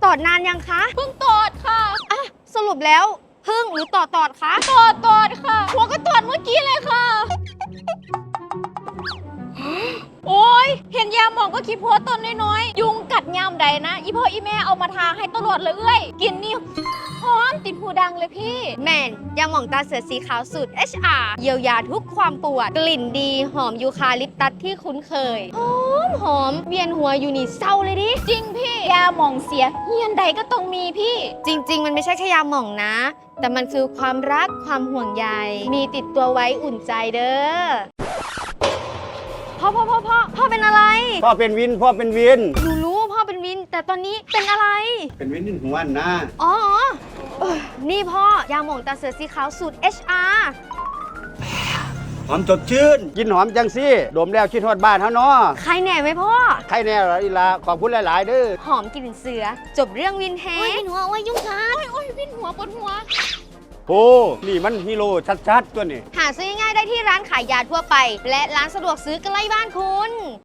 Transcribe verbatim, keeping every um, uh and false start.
อดนานยังคะเพิ่งตอดค่ะอ่ะสรุปแล้วพึ่งหรือต่อตอดคะตอดตอดค่ะหัวก็ตอดเมื่อกี้เลยค่ะ โอ้ยเห็นยาหมองก็คิดพัวต้นน้อยๆยุงกัดยามใดนะอีพ่ออีแม่เอามาทาให้ตลอดเลยเอ้ยกินนี่หอมติดหูดังเลยพี่แมนยาหม่องตาเสือสีขาวสูตร เอช อาร์ เยียวยาทุกความปวด กลิ่นดีหอมยูคาลิปตัสที่คุ้นเคย หอมหอมเวียนหัวอยู่นี่เศร้าเลยดิจริงพี่ยาหมองเสียเฮียนใดก็ต้องมีพี่จริง ๆ มันไม่ใช่แค่ยาหม่องนะ แต่มันคือความรักความห่วงใยมีติดตัวไว้อุ่นใจเด้อพ่อพ่อพ่อพ่อพ่อเป็นอะไรพ่อเป็นวินพ่อเป็นวินหนูรู้ว่าพ่อเป็นวิน แต่ตอนนี้เป็นอะไรเป็นวินที่หัวนะอ๋อเอ้อนี่พ่อยาหม่องตาเสือสีขาวสูตร เอช อาร์หอมสดชื่น กินหอมจังสิดมแล้วคิดฮอดบ้านเฮาเนาะใครแหน่ไหมพ่อใครแน่ล่ะอีลาขอบคุณหลายๆเด้อหอมกลิ่นเสือ จบเรื่องวินแฮโอ้ยหัวโอ้ยยุ่งกัดโอ้ยโอ้ยวินหัวปวดหัวโอ้นี่มันฮีโร่ชัดๆตัวนี้หาซื้อง่ายๆได้ที่ร้านขายยาทั่วไป และร้านสะดวกซื้อใกล้บ้านคุณ